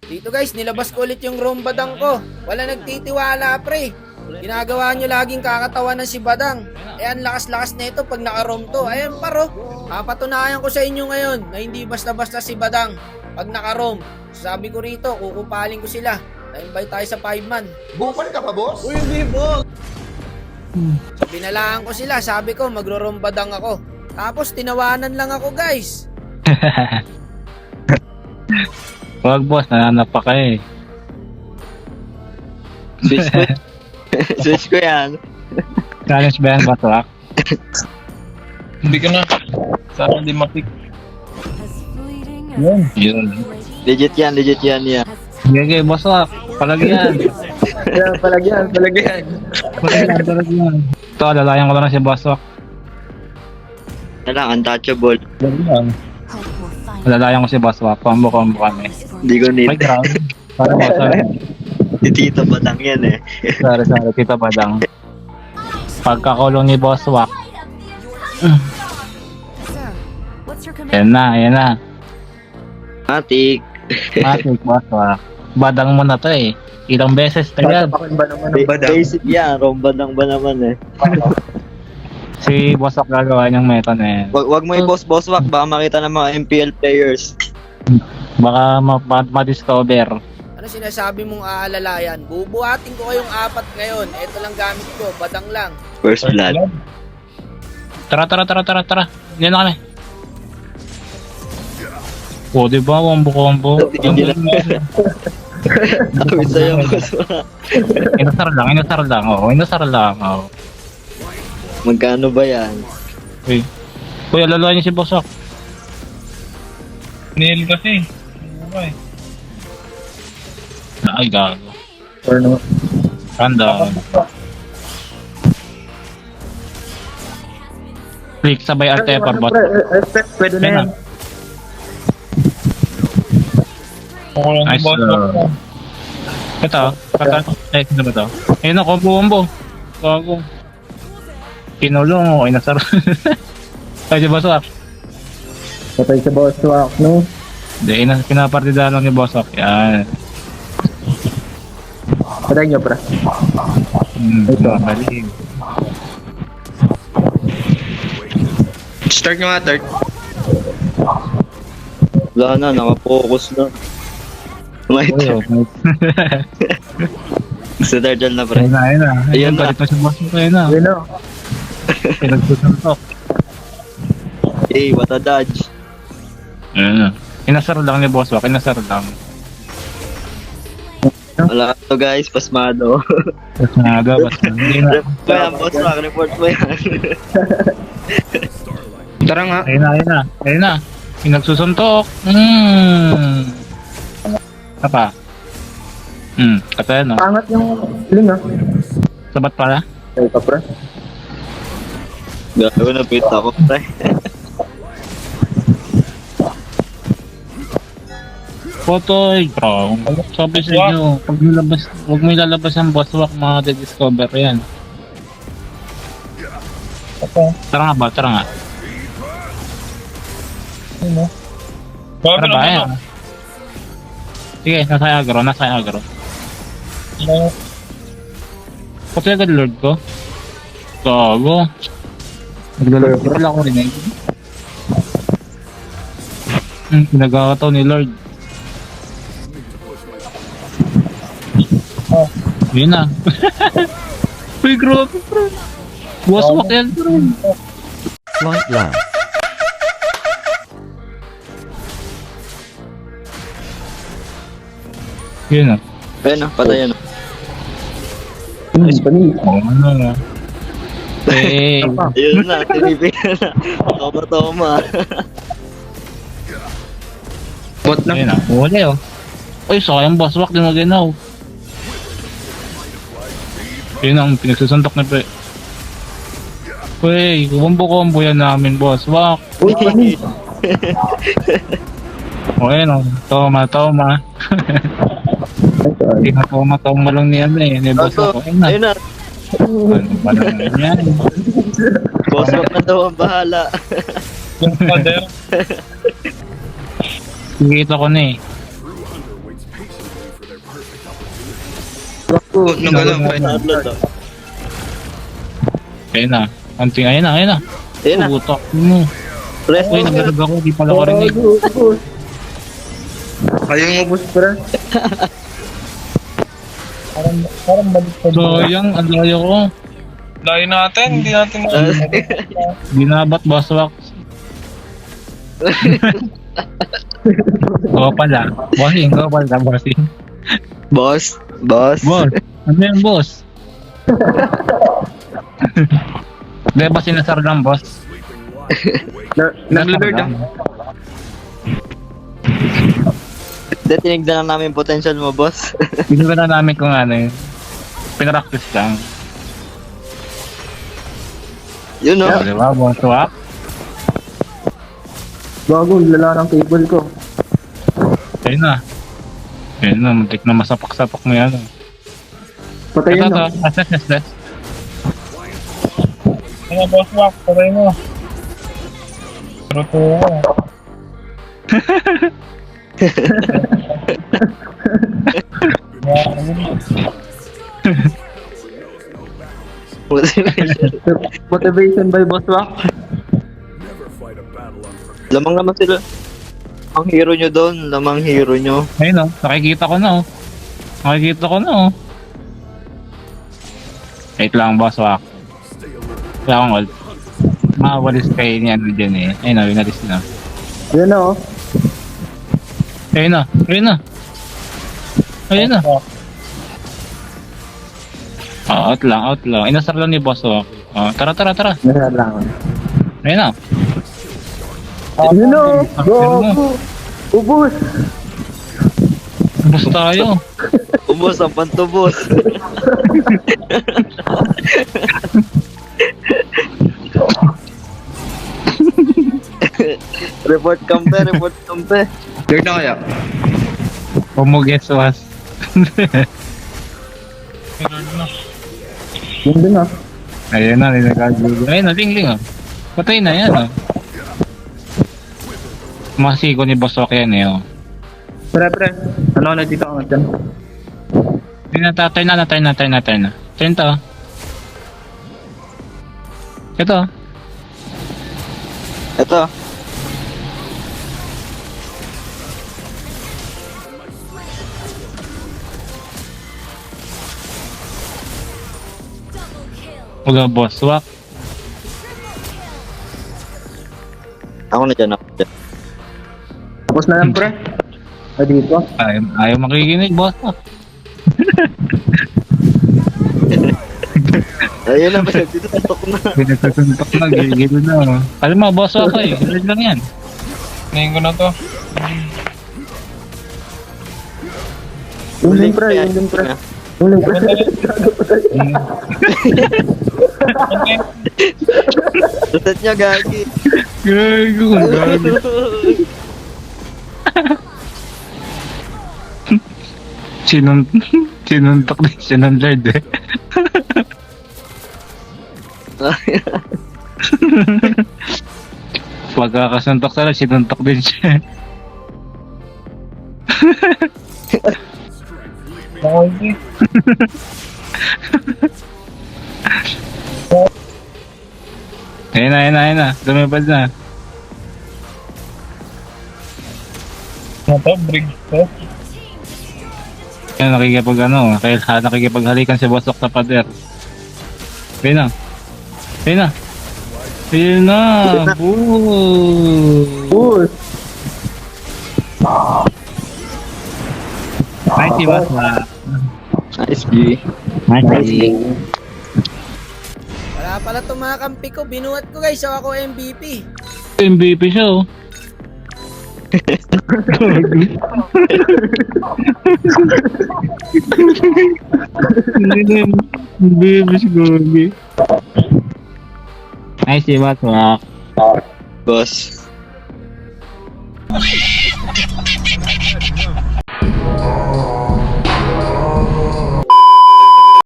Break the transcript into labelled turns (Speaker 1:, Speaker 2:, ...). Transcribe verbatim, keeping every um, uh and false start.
Speaker 1: Dito guys, nilabas ko ulit yung roam badang ko. Wala nagtitiwala pre. Ginagawa nyo laging kakatawa ng si Badang. Eh ang lakas-lakas na ito pag naka-roam to. Ayan paro. Papatunayan ko sa inyo ngayon na hindi basta-basta si Badang pag naka-roam. Sabi ko rito, kukupaling ko sila. Na-invite tayo sa five man.
Speaker 2: Bukal ka pa, boss?
Speaker 3: Uy, hindi boss!
Speaker 1: So binalaan ko sila. Sabi ko magro-roam Badang ako. Tapos tinawanan lang ako guys.
Speaker 4: Wag boss, nananap pa kayo eh.
Speaker 3: Switch ko. Switch ko yan.
Speaker 4: Challenge ba yan, Batwak?
Speaker 5: Hindi ka na. Sana hindi matik.
Speaker 4: Yun. Yun.
Speaker 3: Legit yan, legit yan yan.
Speaker 4: Sige, okay, Batwak. Palagyan.
Speaker 3: Yan, palagyan, palagyan.
Speaker 4: Palagyan, palagyan. Ito, alalayan ko lang na si Batwak.
Speaker 3: Yan lang, untouchable.
Speaker 4: Palagyan. Alalayan ko si Batwak. Combo-combo kami.
Speaker 3: Hindi ko need.
Speaker 4: May ground. Para mo, sorry.
Speaker 3: Si Tito Batang yan eh.
Speaker 4: Sorry, sorry. Tito Badang. Pagkakulong ni Boss Wak. Yan na, yan na.
Speaker 3: Matik.
Speaker 4: Matik, Boss Wak. Badang mo na to eh. Ilang beses na yan.
Speaker 3: Ba Basic yan, romba lang ba naman eh.
Speaker 4: Si Boss Wak gagawa niyang meta na yan.
Speaker 3: Wag, wag mo i-boss-boss wak, baka makita ng mga M P L players.
Speaker 4: Baka ma- ma- ma-discover.
Speaker 1: Ano sinasabi mong aalalayan? Bubuhatin ko kayong apat ngayon. Ito lang gamit ko. Badang lang.
Speaker 3: First blood.
Speaker 4: Tara, tara, tara, tara, tara. Hindi na kami. O, diba? Wambo-wambo.
Speaker 3: Hindi na. Sabi sa'yo, boss wak.
Speaker 4: Inasar lang, inasar lang. Oo, inasar lang. Oo.
Speaker 3: Magkano ba yan?
Speaker 4: Uy. Uy, alalayan niyo si Boss Wak.
Speaker 5: Nail kasi. Okay.
Speaker 4: Ay, gago.
Speaker 2: Or no?
Speaker 4: Random. Click sabay R T F or bot.
Speaker 2: Respect, pwede na
Speaker 4: Ayun
Speaker 2: yan.
Speaker 4: na.
Speaker 5: Ako lang
Speaker 4: Nice,
Speaker 5: boss.
Speaker 4: uh, Ito, kata, eh, sino ba ito? Ayun na, combo-combo. Gago. Pinulong o, inasar. Ay, si Boss Wak.
Speaker 2: Patay sa boss walk, no?
Speaker 4: Hindi, ina- pinapartida lang ni Boss Wak. Yan.
Speaker 2: Patay nyo, pra.
Speaker 4: Hmm,
Speaker 2: Ito.
Speaker 4: mali.
Speaker 5: Start nyo nga, third.
Speaker 3: Wala na, nakafocus na. May
Speaker 4: Uy, oh, nice.
Speaker 3: Sa Darjal na pre.
Speaker 4: Ayun na, ayun na.
Speaker 3: Ayun
Speaker 4: Ayun
Speaker 3: na.
Speaker 4: na. Galit na si Boss Wak. Ayun na.
Speaker 2: Yun, no?
Speaker 4: Pinagsusuntok.
Speaker 3: Hey, what a dodge.
Speaker 4: Ayun na. Inasar lang ni Boss Wak. Inasar lang.
Speaker 3: Wala to guys, pasmado.
Speaker 4: Tapos nga daw, basta hindi na.
Speaker 3: Report mo yan, boss wak, report mo yan.
Speaker 5: Tara nga.
Speaker 4: Ayun na, ayun na. Ayun na. Pinagsusuntok. Hmm. Apa? Hmm, kata yan, no?
Speaker 2: Pangat yung ling, ah.
Speaker 4: Sabat pala?
Speaker 2: Ay, pa, pra.
Speaker 3: Gago na pit ako pre.
Speaker 4: Potoy, bro. Sabi sa inyo, pag nilabas, huwag mo ilalabas ang Boss Wak, mga discover yan. Tara nga ba? Tara nga.
Speaker 5: Bago
Speaker 4: Tara ba?
Speaker 5: na
Speaker 4: Ayan. Sige, nasa agro, nasa agro. Pati agad Lord ko. Gago. Naglalaro pala ako rin eh. Hmm, pinagkakataw ni Lord. Oh, yun na. Uy, grabe bro. Boss Wak yan bro.
Speaker 6: Flight Lab.
Speaker 4: Yun na.
Speaker 3: Ayun na, patay yan.
Speaker 2: Nice, pani.
Speaker 4: Oo, ano na. Hey.
Speaker 3: Ayun na, tinibigyan na. Toma-toma.
Speaker 5: Bot na.
Speaker 4: Ayun na. Uli oh. Uy, sayang Boss Wak, di mo ginaw. Yun ang pinagsusuntok na pre. Uy, kumbo-kumbo yan namin Boss Wak.
Speaker 2: Uy, pani.
Speaker 4: O ayun o, toma, toma. Hindi na toma, toma lang ni ano eh, ni Boss Wak. Ayun na.
Speaker 3: Ayun na,
Speaker 4: Ano ba naman yan?
Speaker 3: boss wak na daw ang bahala.
Speaker 5: Yung father.
Speaker 4: Kikita ko na eh.
Speaker 3: Gago, nagalang fight na upload oh.
Speaker 4: Ayun na. Anting, ayun na, ayun na.
Speaker 3: Ayun na,
Speaker 4: Pubutok mo.
Speaker 3: rest
Speaker 4: Uy, naglalag ako, di pala ko rinig.
Speaker 2: Kayong ubus, pre.
Speaker 4: Sayang, ang layo ko.
Speaker 5: Layo natin, hindi natin
Speaker 4: Binabat, boss wax. Go pala. Bossing, go pala, bossing.
Speaker 3: Boss, boss.
Speaker 4: Boss, ano yan, boss? Di ba sinasar lang, boss?
Speaker 2: Nag-lord ah.
Speaker 3: Hindi, tinignan na namin potential mo, boss.
Speaker 4: Pinag na namin kung ano yun. Pinaractice lang.
Speaker 3: Yun no?
Speaker 4: O, di ba, boss wax?
Speaker 2: Bago, lala ng cable ko.
Speaker 4: Ayun na. Ayun na, muntik na masapak-sapak mo yan.
Speaker 2: Patay
Speaker 4: Ito
Speaker 2: yun,
Speaker 4: to,
Speaker 2: no?
Speaker 4: assess, assess.
Speaker 5: Ano, boss Mac, patay mo. Pero to,
Speaker 2: Motivation by Boss Wack.
Speaker 3: Lamang naman sila. Ang hero nyo doon, lamang hero nyo.
Speaker 4: Ayun o, nakikita ko na o. Nakikita ko na o. Wait lang, boss wax. Wala akong ult. Makawalis kayo ni ano dyan eh. Ayun o, winalis na.
Speaker 2: Yan na, oh.
Speaker 4: Ayun na, ayun na. Ayun na. Oh, out lang, out lang. Inasar lang ni boss wax. Oh, tara, tara, tara.
Speaker 2: Nasa lang.
Speaker 4: Ayun na.
Speaker 2: Yun na, oh.
Speaker 4: Ah,
Speaker 2: Go,
Speaker 4: yun na.
Speaker 2: go. Ubus.
Speaker 4: Ubus tayo.
Speaker 3: Ubos ang pantubos. Report kampe, report kampe.
Speaker 2: Lord na kaya?
Speaker 4: Pumuges was.
Speaker 2: Yun din, ah.
Speaker 4: Ayun na, ninagagulo. Ayun na, ling ling oh. Patay na yan oh. Masiko ni boss wax yan eh oh.
Speaker 2: Pre, pre. Ano na dito ang dyan?
Speaker 4: Hindi na, turn na, turn na, turn na, turn na. Turn to. Ito.
Speaker 3: Ito.
Speaker 4: Huwag boss wax.
Speaker 3: Ako na dyan, ako dyan.
Speaker 2: Tapos na lang, pre. Ah, dito.
Speaker 4: Ayaw, ayaw makikinig, boss wax.
Speaker 3: Ayun na, pinagtitutok na.
Speaker 4: Pinagsasuntok na, gigilo na oh. Alam mo, boss wax eh. Ilad lang yan.
Speaker 5: Ngayon ko na to.
Speaker 2: Yun din, pre. Yun din, pre. Yun din, pre. Gago pa tayo.
Speaker 3: Reset niya, gagi.
Speaker 4: Gago, gago. Sinun... Sinuntok din siya ng Lord eh. Pagkakasuntok sa Lord, sinuntok din siya.
Speaker 5: Okay.
Speaker 4: Ayun na, ayun na, ayun na. Lumipad na.
Speaker 5: Ano to, bridge to?
Speaker 4: Ayun, nakikipag ano, kaya nakikipaghalikan si Boss Wax sa pader. Ayun na. Ayun na. Ayun na. Boo!
Speaker 2: Ubus.
Speaker 4: Nice, si Boss Wax.
Speaker 3: Nice, G.
Speaker 4: Nice.
Speaker 1: Wala pala itong mga kampi ko. Binuhat ko guys. So ako M V P.
Speaker 4: M V P siya oh. Baby si Gobi. Nice, si Boss Wax.
Speaker 3: Boss.